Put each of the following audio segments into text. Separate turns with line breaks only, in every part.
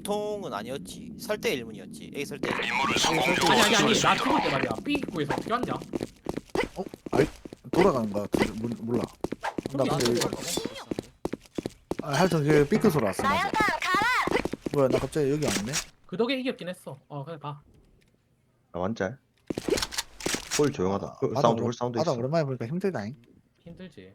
중통은 아니었지. 설대 일문이었지. A 설대.
아니 나 죽을 때 말이야 B 입구에서 어떻게 왔냐?
아이 돌아가는 거야. 몰라. 나 근데 하여튼 그 삐끗 소리 왔어. 맞아. 뭐야 나 갑자기 여기 왔네.
그 덕에 이겼긴 했어. 그래 봐.
아, 완짤. 홀 조용하다.
바다
사운드
오랜-
홀 사운드
바다
있어.
오랜만에 보니까 힘들다잉.
힘들지.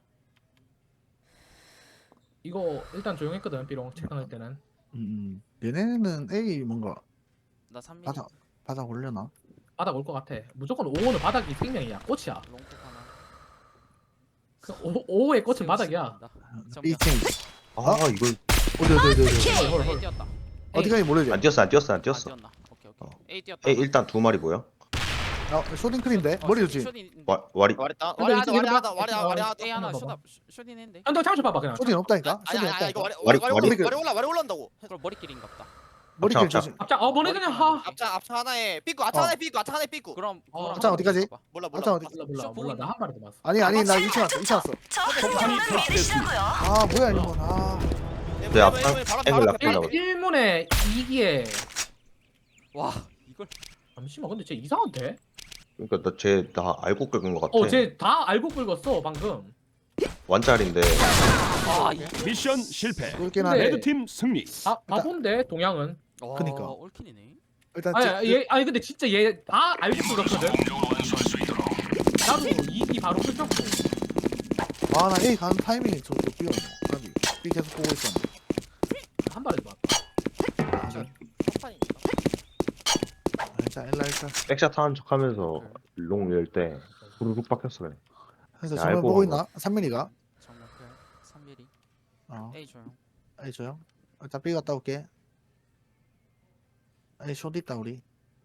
이거 일단 조용했거든 B롱 체크할 때는.
얘네는 A 뭔가
나 3mm
바닥 올려나?
바닥 올 것 같아. 무조건 5호는 바닥이 생명이야. 꽃이야.
롱콕 하나.
그 5호의 꽃은 바닥이야.
2층.
아 이걸
어디
헐, 헐,
A
헐.
뛰었다.
어디까지 모르지?
안 뛰었어.
아,
뛰었어.
뛰었나? 오케이 오케이. A 뛰었다.
에이 일단 두 마리 보여.
쇼딩클인데 머리 좋지.
와리.
와리다.
근데
와리하다.
이게
와리하다.
봐.
와리하다.
A 하나
봐봐.
쇼다 쇼딘 했는데.
한번 잠시 봐봐 그냥.
쇼딩 없다니까.
아니
쇼딩
아니 이거
없다니까.
와리 올라온다고.
그걸 머리끼리인가 보다.
머리길
앞장,
조심.
앞장 뭐네 그냥 하.
앞차 하나에 삐꾸. 앞차 하나에 삐꾸. 앞차 하나에 삐꾸.
그럼
앞장 어디까지?
몰라
앞장
몰라.
어디?
몰라 나 한 마리 더 봤어.
아니 나 2층 왔어. 2층 왔어. 아 뭐야 이건.
내 앞장 앵글 낚으려고.
1문에 2기에
와 이걸
잠시만 근데 쟤 이상한데?
그러니까 나 알고 긁은 것 같아.
쟤 다 알고 긁었어 방금.
완짤인데.
미션 실패.
그렇긴
근데-
하네.
레드팀 승리.
바본데 동양은.
그니까.
올킨이네.
일단
아니 근데 진짜 얘 다 알고 긁었거든. 나도 2기 바로 긁혔고.
아나 A 가는 타이밍이 저도 비었네. B 계속 보고 있었는데.
한 마리 더 봤다.
첫판이니까.
일단 일라 일단.
백샷 하는 척하면서 롱 열 때 부르륵 박혔어 그래.
그래서
야,
정말
알고
보고
간
있나? 3mm가.
정말 그 3mm.
A
A 조용.
A 줘요. 일단 B 갔다 올게. A 숏 있다 우리.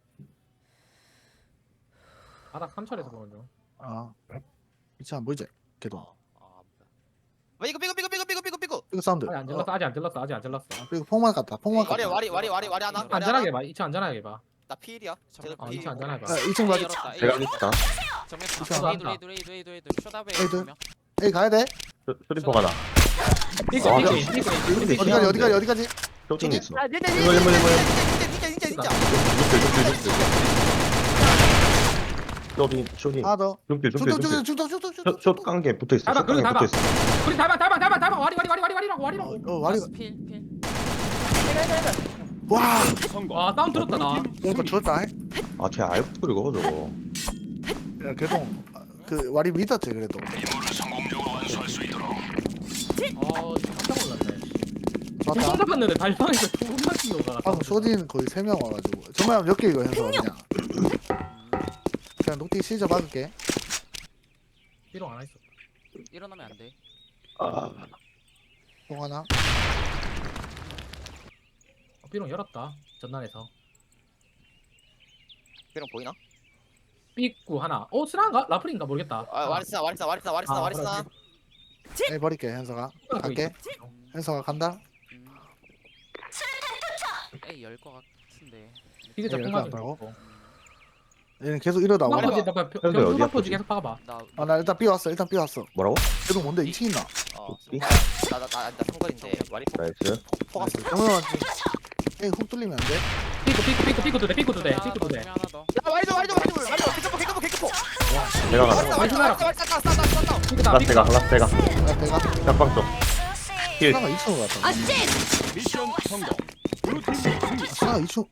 바닥 3철에서 보는 중.
이차 안 보이지? 걔도.
삐꾸.
이거 사운드.
아직 안 질렀어 아직 안 질렀어.
그리고 폭만 갔다. 폭만 갔다.
와리 하나.
안전하게 봐. 2차 안전하게 봐.
나 필이야. 쟤들
아,
필.
2차 안전하게 봐.
2층 가지.
제가 있다.
정면
이거
A 둘 A 둘 쇼다베
A 둘.
조명.
A 가야 돼?
쇼리퍼가 나.
삐끗
아,
삐끗.
어디까지?
쇼팅 있어.
진짜.
쇼팅.
하나 더.
중길.
중독.
깡게 붙어 있어.
닫아,
깡게
닫아.
붙어 있어.
우리 닮아 와리라고.
와리.
필.
와.
성공.
와 다운 들었다 나.
뭔가 좋았다.
아, 쟤 알고 긁어 저거.
야, 그래도 그 와리 믿었지 그래도.
깜짝 놀랐네.
좋았다.
두번 잡았는데 달방에서 두번 맞은 거가.
방금 쇼딘 거의 3명 와가지고. 정말 몇 개 이거 해서 그냥 녹디 시저 박을게.
비롱 안 했어.
일어나면 안 돼.
통 하나.
비롱 열었다. 전난에서.
비룡 보이나?
삐꾸 하나. 스나인가? 라플인가 모르겠다.
와리스나.
A 버릴게 현서가. 갈게. 현서가 간다.
A 열거 같은데.
이게 저
예,
공간
열어놨다고? 얘는 계속 이러다
공간
오네.
포지 나
현재 어디야,
공간 포지
포지?
계속 박아봐.
나 일단 B 왔어.
뭐라고?
그래도 뭔데 2층 있나?
나 성거리인데 와리
나이스.
포갔어.
그러면 A 훅 뚫리면 안 돼?
삐꾸 두 대.
하나 더.
야 와리도. 개급포.
내가 간다.
삐꾸
라스테가.
내가
짝방 쪽. 힐.
스나가 2층으로 갔다.
미션 성공. 블루팀 승리.
스나가 2층.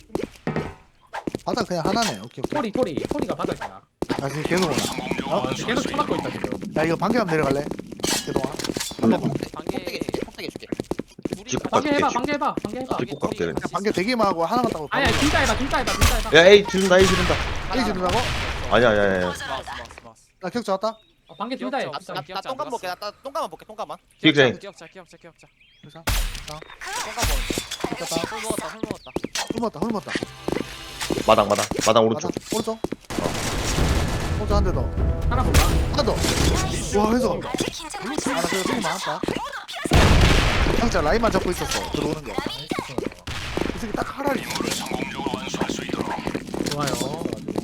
바닥 그냥 하나네. 오케이.
토리가 바닥이야.
지금 계속 오나?
계속 쳐맞고 있다 지금.
야 이거 방개함 내려갈래? 계동아.
방개.
폭대기 줄게.
찍고
방개 해봐.
갈게. 찍고 갈게, 그냥.
방개 대기만 하고 하나만 따고.
아니야 둘 다 해봐.
야, 에이 준다.
A 지른다고?
아니야.
스마스.
나 격 잡았다.
방개 둘 다 해.
나 똥감 볼게. 나 똥감만 볼게. 똥감만.
기획자인.
기억자.
그래서
똥감 보는.
잡았다.
술 먹었다.
훑었다.
마당 오른쪽.
오른쪽. 오른쪽 한 대 더.
하나 볼까?
하나 더. 와 해서. 나 그래도 좀 많았다. 형자 라인만 잡고 있었어. 들어오는 거. 이 새끼 딱 하라리.
좋아요.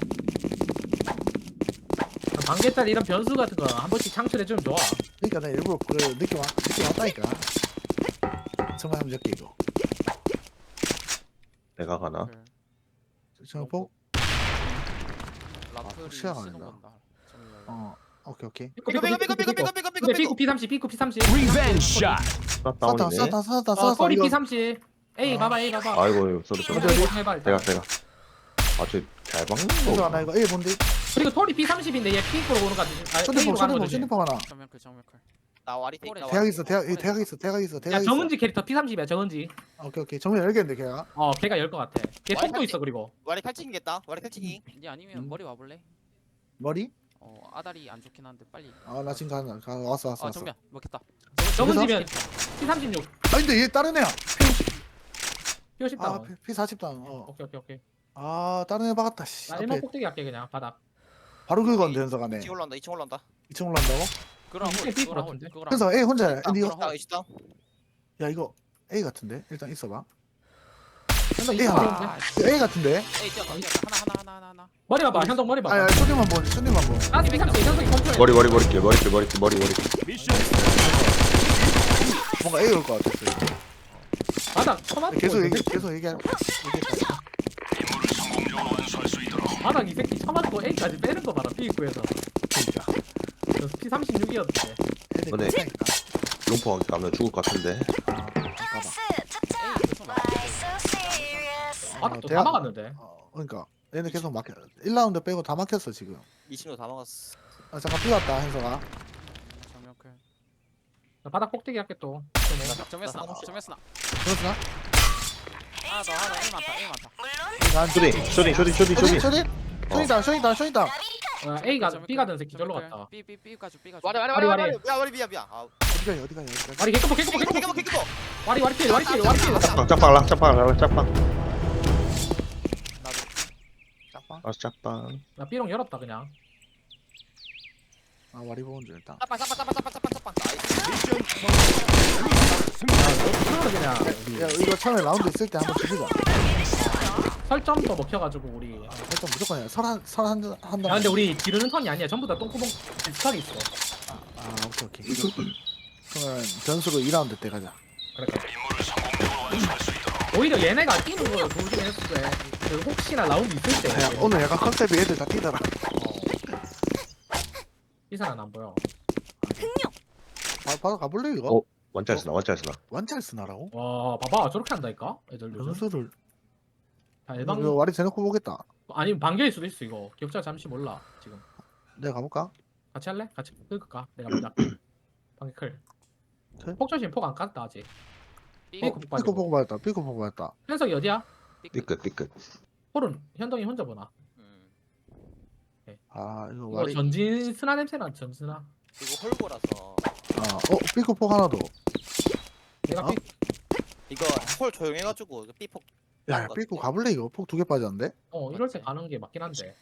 방개짜리 이런 변수 같은 거 한 번씩 창출해주면 좋아.
그러니까 나 일부러 그 느낌 왔다니까. 정말 한번 적게 이거.
내가 가나?
정폭.
라플이
시야가
시동
아니다.
건다. 정렬.
오케이 오케이.
삐고 삐고 삐고 삐고 삐고 삐고
근데
삐고
P30 P30
리벤지 샷.
나
쐈다
다운이네.
쐈다 쐈다 쐈어.
소리
이거
P30 A 봐봐 A 봐봐
아이고 쏘리 쏘리.
어디, 어디?
해봐 일단.
내가. 아주 잘 박는
그래서
거.
하나 이거 A 뭔데?
그리고 토리 P30인데 얘 P으로 오는 거 같지 아 A로
쇼딩폭
가는
쇼딩폭
거지
쇼딩폭 하나.
정면클 정면클.
나 와리 테
대학 있어 대학 있어 대학 있어
야
대학 있어.
정은지 캐릭터 P30이야 정은지
오케이 오케이 정면 열겠는데 걔가.
걔가 열 것 같아 걔
와이
톡도 있어 그리고
와리 탈칭이겠다 와리 탈칭이
니 아니면 머리 와볼래?
머리?
아다리 안 좋긴 한데 빨리.
나 지금 가 왔어 왔어.
정면 먹겠다.
정은지면 P36
아 근데 얘 다른 애야.
P50
아
다운
P40 당.
오케이
다른 애 박았다. 씨.
나
앞에
1번 꼭대기 할게 그냥 바닥
바로 그건데 현석아네.
2층 올라온다 2층 올라온다
2층 올라간다고?
그거랑
이게
홀,
삐
그거랑 홀,
같은데?
그거랑
현석 A 혼자야.
아,
근데 이거
그럼.
있다
야 이거 A 같은데 일단 있어봐.
현동
A
이거
하나.
하나
이거 A 같은데?
에이 뛰었다 하나.
머리 봐봐 현동 머리 봐봐
아야 쇼딩만 보 쇼딩만 보.
아 P30 현동이 컨트롤
머리.
미션
뭔가 A 올 것 같았어.
바닥 토마토
계속
이
얘기
새끼.
계속 얘기해.
바닥 이 새끼 처맞고 A까지 빼는 거 봐라 P9에서
그러니까.
P36이었는데
너네. 롱포 가면 죽을 것 같은데.
에이 계속 나.
바닥도 다
대학-
막았는데
그러니까 얘네 계속 막혀. 1라운드 빼고 다 막혔어 지금.
2층도 다 먹었어
잠깐 삐갔다 현석아.
정면클.
나 바닥 꼭대기 할게 또
정면 쓰나. 정면 쓰나.
그렇구나.
하나 A 많다. A 많다.
난
쇼딩.
쇼딩다.
A가 B가 된 새끼 절로 갔다
B 가줘.
와리
와리, 와리.
야 와리 미야 아
어디가
와리 개꺼포
개그보
와리 필
짝방.
짝방.
아 짝방.
나 B롱 열었다 그냥
와리 보는 줄 일단.
짜빵 나이스
미션 승리.
그러면 그냥
야 이거 처음에 라운드 있을 때 한번 죽이자.
설점도 먹혀가지고 우리
일단 무조건이야. 설한
야 근데 우리 지르는 턴이 아니야 전부 다 똥구멍 비슷하게 있어
오케이. 그러면 변수로 2라운드 때 가자.
그러니까 오히려 얘네가 뛰는 거 도움이 했을 때 혹시나 라운드 있을 때
야, 오늘 약간 컨셉이 애들 다 뛰더라.
이상은 안 보여
바로 가볼래 이거?
원짤 쓰나.
완짤 쓰나라고?
와 봐봐 저렇게 한다니까 애들 요즘
변수를
다
이거
예방
와리 대놓고 보겠다.
아니면 반겨일 수도 있어 이거 기억자 잠시 몰라 지금
내가 가볼까?
같이 할래? 같이 끌까? 내가 먼저 할게 방클
그래?
폭 조심 폭 안 깠다 아직
B
삐고
삐코
빠지고
보고 받았다. 삐코 보고 받았다.
현석이 어디야?
삐끗.
홀은 현동이 혼자 보나
이거
이거
와리.
전진 스나 냄새나 전스나
이거 홀고라서
삐코 폭 하나 더.
내가
어?
삐
이거 홀 조용해가지고 삐폭
야, 삐코 가볼래 이거? 폭 2개 빠졌는데?
이럴 때 가는 게 맞긴 한데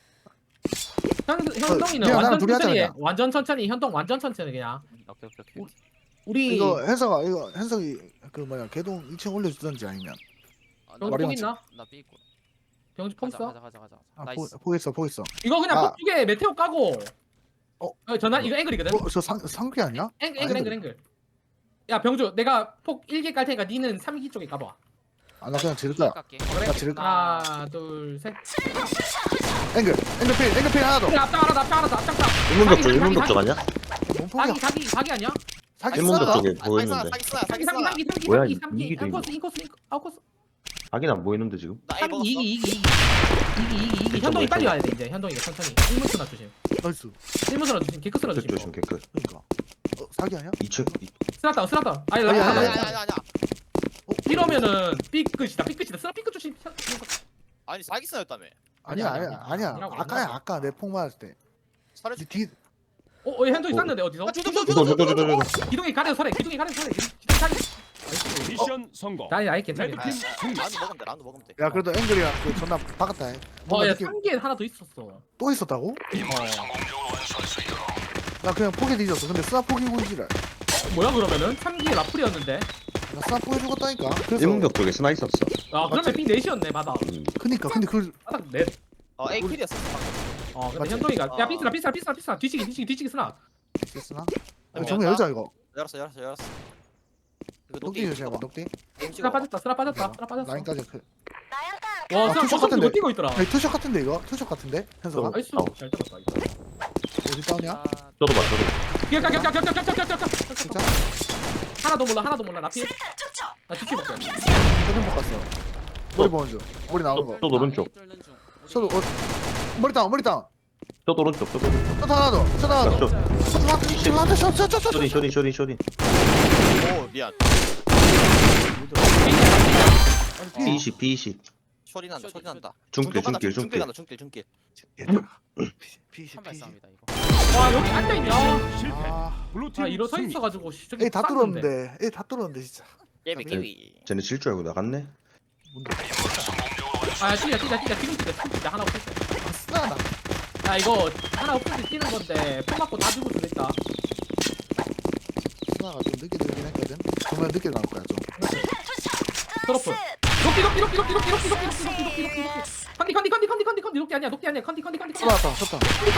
현동이는
미안, 나랑
완전
둘이 하자,
천천히 해
그냥.
완전 천천히 현동 완전 천천히 그냥 우리
이거 현석이 그 뭐야 개동 2층 올려주던지 아니면.
병주
머리
폭
맞지?
있나?
나 B 있고.
병주 폭 있어?
가자.
아,
나이스.
폭 있어.
이거 그냥
아.
폭 2개 메테오 까고 전화 이거 앵글이거든?
저 상규 아니야?
앵글 야 병주 내가 폭 1개 깔 테니까 니는 3기 쪽에 까봐
나 그냥 지를 거야.
깎게.
나 지를 거야.
하나 둘셋
앵글 필 하나 더.
앞장
일문벽 아니야?
뭔 폭이야?
사기 아니야?
사기
일문벽
싸다.
쪽에 보이는데.
사기 쓰나
뭐야,
3기
이기도
인코스 아웃코스
하긴 안 보이는데 지금.
나 A
3기
먹었어
2기 현동이 빨리 와야 돼 이제 현동이가 천천히 1문스나 조심
나이스.
1문스나 조심 개크스나 조심
조심 개끝.
그러니까. 사기 아니야?
2층.
스나다운 아니
아니,
아니야
이러면은 삐끗이다 스나 삐끗 조심
아니 사기 쓰나였다며
아니야. 아까 내 폭 맞을 때.
살을
니 뒤.
현동이 쐈는데 어디서?
저.
기둥이 가려서 살해 기둥이 사기
미션 성공.
아이 괜찮아
레드팀 승리.
라운드 먹으면 돼
야 그래도 앵글이랑 그 존나 박았다. 뭔가
야
느낌
3기에 하나 더 있었어
또 있었다고? 나 그냥 포기 뒤졌어. 근데 스나 포기 군지를.
뭐야 그러면은 3기에 라플이었는데
나 스나 포기 죽었다니까. 그래서.
일문벽 쪽에 스나 있었어.
그러면 삥 넷이었네 바닥
그니까 근데 그걸
바닥 넷
A 킬이었어
근데
맞지?
현동이가 야 삐스나 뒤치기 스나
됐으나? 정면 열자 이거.
열었어 이거
녹디 조심해봐 녹디.
스나 빠졌다
라인까지 그.
와
투샷
그냥
같은데.
버튼 뛰고 있더라.
아니 투샷 같은데 이거? 투샷 같은데? 현서가?
나이스
어.
잘 잡았다 이거.
어디 다운이야?
아,
저도 봐 저도.
진짜?
하나도 몰라 나 피해. 나 뒤치 볼게.
저는 못 갔어. 머리 보는 중. 머리 나오는 거.
저도 오른쪽.
A 뚫는 중. 우리
저도 머리 다운 머리 다운.
저도 오른쪽. 저도 오른쪽.
저 하나 더. 저 하나 더.
저
저.
쇼딘.
오 미안.
B20.
소리 난다 소리 난다.
중길.
간다 중길.
한 발싸움이다 이거.
와 여기 앉아 있냐?
실패.
아,
블루팀
아 일어서
승리.
있어가지고 씨, 저기
에이 다
쌌는데.
뚫었는데. 에이 다 뚫었는데 진짜.
예비 키위.
쟤네 질 줄 알고 나갔네.
아 뛰자 지금 뛰자 하나 없을 때.
아싸.
야 이거 하나 없을 때 뛰는 건데 폭 맞고 다 죽을 수도 있다.
수나가 좀 늦게 들긴 했거든. 그러면 늦게 나올 거야 좀.
트러플. 녹기 아니야 컨디
쏟아왔다. 쏟다.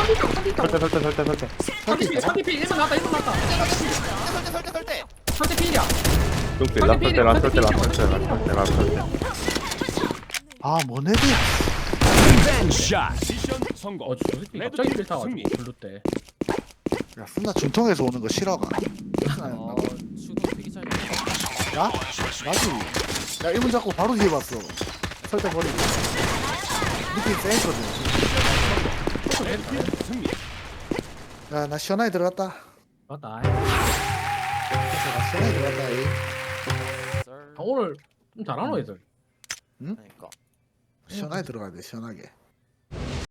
설대.
컨디 피 1분 나왔다
설대.
컨디 피야
중길. 라설대.
아 뭐네드야.
리벤지 샷. 미션 성공.
어 진짜 새끼 갑자기 필 타가지고
승리.
블루 때
야 수나 중통에서 오는 거 싫어가.
어, 주도 되게 잘.
야? 나지. 야 1문 잡고 바로 뒤에 봤어. 설대 버리고. 느낌 세거든.
레드팀 승리.
야 나 시원하게 들어갔다.
맞다
나 시원하게 들어갔다. 에이.
오늘 좀 잘하노 애들
그러니까.
시원하게 들어가야 돼 시원하게.